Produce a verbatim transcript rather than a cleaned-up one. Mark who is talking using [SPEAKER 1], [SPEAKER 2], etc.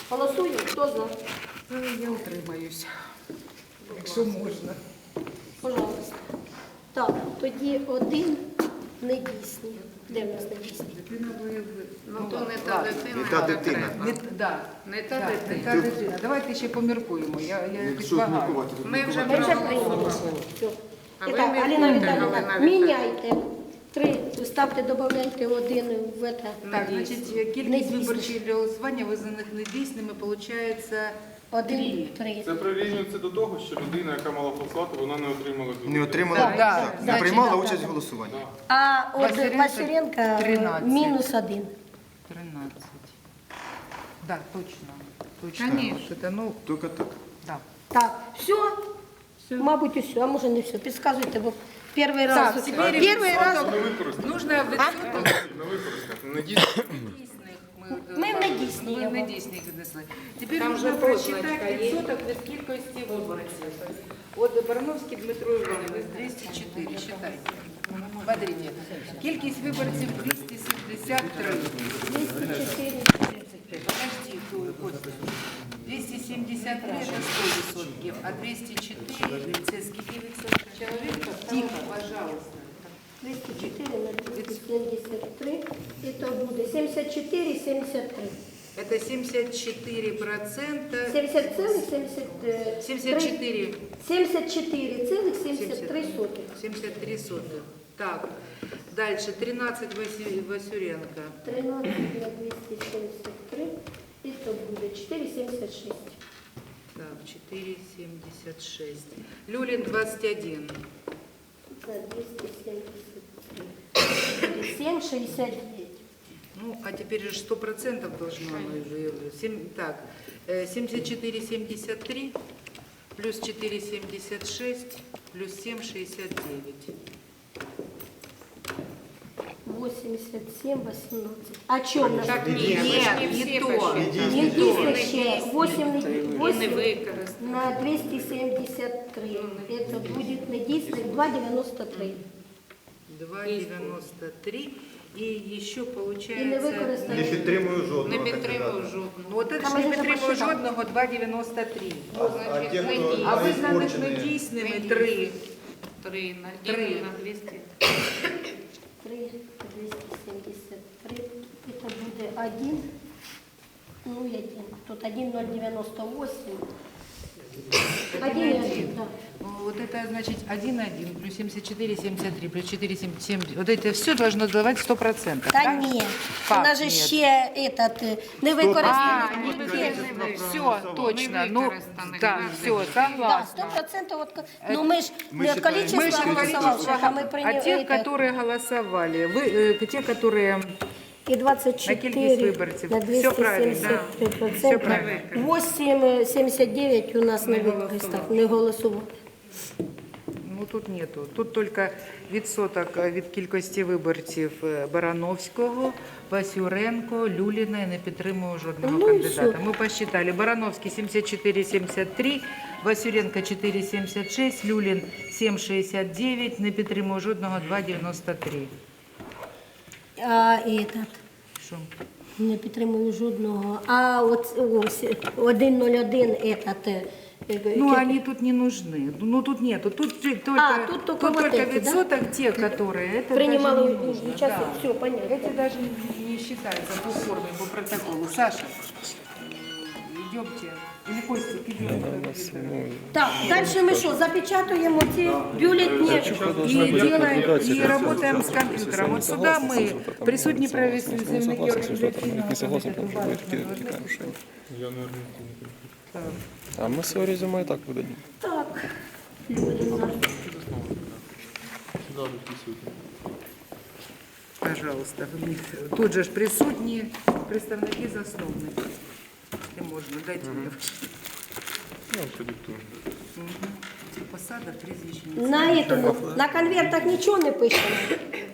[SPEAKER 1] Голосуємо, хто за?
[SPEAKER 2] Я утримаюсь, якщо можна.
[SPEAKER 1] Пожалуйста. Так, тоді один недійсний. Де в нас недійсний?
[SPEAKER 2] Дитина бойовик.
[SPEAKER 3] Ну, то не та дитина.
[SPEAKER 4] Не та дитина.
[SPEAKER 2] Не, да,
[SPEAKER 3] Не та
[SPEAKER 2] да, не
[SPEAKER 3] дитина.
[SPEAKER 2] та дитина. Давайте ще поміркуємо. Я, я якось
[SPEAKER 4] Якщо
[SPEAKER 2] багато.
[SPEAKER 4] міркувати, то
[SPEAKER 3] Ми вже
[SPEAKER 1] Ми вже прийняли.
[SPEAKER 3] проголосували.
[SPEAKER 1] Все.
[SPEAKER 3] А ви
[SPEAKER 1] І так,
[SPEAKER 3] міркуйте,
[SPEAKER 1] Аліна Віталіївна,
[SPEAKER 3] Галина Віталіївна.
[SPEAKER 1] міняйте. Три, ставте, додавайте один в это.
[SPEAKER 2] Так, значить, кількість
[SPEAKER 1] Недійсних.
[SPEAKER 2] виборчих для голосування визнаних недійсними, виходить,
[SPEAKER 1] Один, три.
[SPEAKER 5] Це прирівнюється до того, що людина, яка мала послати, вона не отримала бюлетень.
[SPEAKER 4] Не отримала,
[SPEAKER 2] Так, да.
[SPEAKER 4] так, не
[SPEAKER 2] Значить,
[SPEAKER 4] приймала
[SPEAKER 1] да,
[SPEAKER 4] участь
[SPEAKER 1] да.
[SPEAKER 4] в голосуванні.
[SPEAKER 1] А от
[SPEAKER 2] Василенко
[SPEAKER 1] Василенко е,
[SPEAKER 2] тринадцять.
[SPEAKER 1] мінус один.
[SPEAKER 2] тринадцять. Так, точно. Точно.
[SPEAKER 3] Конечно.
[SPEAKER 2] Это, ну,
[SPEAKER 4] Тільки так.
[SPEAKER 2] да.
[SPEAKER 1] Так, все? Мабуть, все, а може не все. Підказуйте, бо перший
[SPEAKER 2] Так,
[SPEAKER 1] раз.
[SPEAKER 2] тепер
[SPEAKER 1] Перший раз.
[SPEAKER 5] Не використати.
[SPEAKER 2] Нужно відсоток
[SPEAKER 5] Не використати. Не дійсно.
[SPEAKER 2] недійсних.
[SPEAKER 1] Ми в недійсні
[SPEAKER 2] Ми в
[SPEAKER 1] його.
[SPEAKER 2] недійсних віднесли. Тепер
[SPEAKER 3] Там
[SPEAKER 2] можна
[SPEAKER 3] же
[SPEAKER 2] прочитати
[SPEAKER 3] позначка є.
[SPEAKER 2] відсоток від кількості виборців. От Барановський Дмитро Іванович, двісті чотири, считайте. Смотрите. Кількість виборців двісті сімдесят три.
[SPEAKER 1] двісті чотири.
[SPEAKER 2] Подожди, Костя. двісті сімдесят три – це сто відсотків, а двісті чотири – це скільки відсотків? Чоловіка? Тихо, пожалуйста.
[SPEAKER 1] двісті чотири на двісті сімдесят три. І то буде сімдесят чотири, сімдесят три.
[SPEAKER 2] Это семьдесят четыре процента.
[SPEAKER 1] сімдесят цілих сімдесят три.
[SPEAKER 2] семьдесят четыре.
[SPEAKER 1] сімдесят чотири цілих сімдесят три сотих.
[SPEAKER 2] семьдесят три сотых. Так. Дальше тринадцать Васю- Васюренко.
[SPEAKER 1] тринадцять на двісті сімдесят три. І то буде чотири сімдесят шість.
[SPEAKER 2] Так, четыре семьдесят шесть. Люлин двадцать один.
[SPEAKER 1] На двісті сімдесят три. сім шістдесят дев'ять.
[SPEAKER 2] Ну, а теперь же сто процентов должно оно уже. Семь- так, э, семьдесят четыре семьдесят три плюс четыре семьдесят шесть плюс семь шестьдесят девять.
[SPEAKER 1] вісімдесят сім, вісімнадцять. А чому в нас?
[SPEAKER 3] Так, ні, ви ж
[SPEAKER 2] Нет,
[SPEAKER 3] не
[SPEAKER 2] не
[SPEAKER 3] всі
[SPEAKER 2] то.
[SPEAKER 3] посчитали.
[SPEAKER 1] Не дійсно ще. вісім,
[SPEAKER 3] І не використали.
[SPEAKER 1] на двісті сімдесят три. Это будет недійсних два дев'яносто три.
[SPEAKER 2] два девяносто три. И еще
[SPEAKER 1] І не
[SPEAKER 2] получается...
[SPEAKER 4] Не
[SPEAKER 1] використали.
[SPEAKER 4] підтримую жодного
[SPEAKER 3] Не підтримую
[SPEAKER 4] кандидата.
[SPEAKER 3] жодного.
[SPEAKER 2] Вот это
[SPEAKER 1] Там
[SPEAKER 2] ж не
[SPEAKER 1] уже
[SPEAKER 2] підтримую
[SPEAKER 1] посчитали.
[SPEAKER 2] жодного, два девяносто три.
[SPEAKER 4] А
[SPEAKER 3] Значить,
[SPEAKER 4] ті,
[SPEAKER 3] не
[SPEAKER 4] хто
[SPEAKER 3] дій.
[SPEAKER 2] А визнаних
[SPEAKER 4] испорчені,
[SPEAKER 2] недійсними
[SPEAKER 3] Недійсні.
[SPEAKER 2] три.
[SPEAKER 3] Три на
[SPEAKER 2] Три.
[SPEAKER 3] ділю на двісті.
[SPEAKER 1] три, двісті сімдесят три. Это буде один. Ну, и один. Тут один ноль девяносто восемь. Один и один, да.
[SPEAKER 2] Ну, вот это значит один один плюс семьдесят четыре семьдесят три плюс четыре семьдесят семь. Вот это все должно давать сто процентов.
[SPEAKER 1] Та ні. У
[SPEAKER 2] Как
[SPEAKER 1] нас же
[SPEAKER 2] нет?
[SPEAKER 1] ще этот, е, не
[SPEAKER 2] А,
[SPEAKER 1] використаний.
[SPEAKER 2] не використано. Все, точно.
[SPEAKER 3] Не
[SPEAKER 2] Ну,
[SPEAKER 3] використаних,
[SPEAKER 2] да,
[SPEAKER 3] да.
[SPEAKER 2] все,
[SPEAKER 1] Да,
[SPEAKER 2] согласна.
[SPEAKER 1] сто процентов. Вот, ну мы ж
[SPEAKER 4] Мы
[SPEAKER 1] не
[SPEAKER 4] считаем-
[SPEAKER 1] количество
[SPEAKER 2] Мы же
[SPEAKER 1] голосовавших, а мы
[SPEAKER 2] а
[SPEAKER 1] приняли
[SPEAKER 2] те,
[SPEAKER 1] это.
[SPEAKER 2] которые голосовали, вы, э, те, которые
[SPEAKER 1] И двадцать
[SPEAKER 2] на кількість
[SPEAKER 1] четыре
[SPEAKER 2] виборців.
[SPEAKER 1] на
[SPEAKER 2] Все правильно,
[SPEAKER 1] двести семьдесят три
[SPEAKER 2] Все
[SPEAKER 1] процента.
[SPEAKER 2] правильно.
[SPEAKER 1] восемь семьдесят девять у нас не використав, не голосував.
[SPEAKER 2] Ну тут нету. Тут только відсоток е, від кількості виборців е, Барановського, Васюренко, Люліна і не підтримую жодного
[SPEAKER 1] Ну і
[SPEAKER 2] кандидата.
[SPEAKER 1] все.
[SPEAKER 2] Ми посчитали. Барановський сімдесят чотири семьдесят три, Васюренко чотири сімдесят шість, Люлін сім шістдесят дев'ять, не підтримую жодного два дев'яносто три.
[SPEAKER 1] А этот,
[SPEAKER 2] Що?
[SPEAKER 1] не підтримую жодного. А от ось один нуль один этот. е, е,
[SPEAKER 2] Ну,
[SPEAKER 1] ті-
[SPEAKER 2] они тут не нужны. Ну, тут нету. Тут же только,
[SPEAKER 1] А, тут только вот
[SPEAKER 2] только
[SPEAKER 1] эти, да?
[SPEAKER 2] відсоток те, которые. Это
[SPEAKER 1] Принимала
[SPEAKER 2] даже не нужно.
[SPEAKER 1] участие,
[SPEAKER 2] Да.
[SPEAKER 1] все понятно.
[SPEAKER 2] Эти даже не, не считаются по форме, по протоколу. Саша, идемте. Или Костик, идем.
[SPEAKER 1] Так, дальше ми що, запечатуємо ці бюлетні?
[SPEAKER 2] И делаем, и работаем с компьютером. Вот сюда мы, присутні представники організаційного комітету Баришня,
[SPEAKER 5] Я, наверное, не
[SPEAKER 2] Так.
[SPEAKER 6] А ми своє резюме і так видадим.
[SPEAKER 1] Так, Люліна.
[SPEAKER 5] Сюди дописуйте.
[SPEAKER 2] Пожалуйста, в них тут же ж присутні представники засновників. Якщо можна, дайте мені.
[SPEAKER 5] Я вам продиктую.
[SPEAKER 2] Посада, прізвище.
[SPEAKER 1] На этому, на конвертах нічого не пишемо.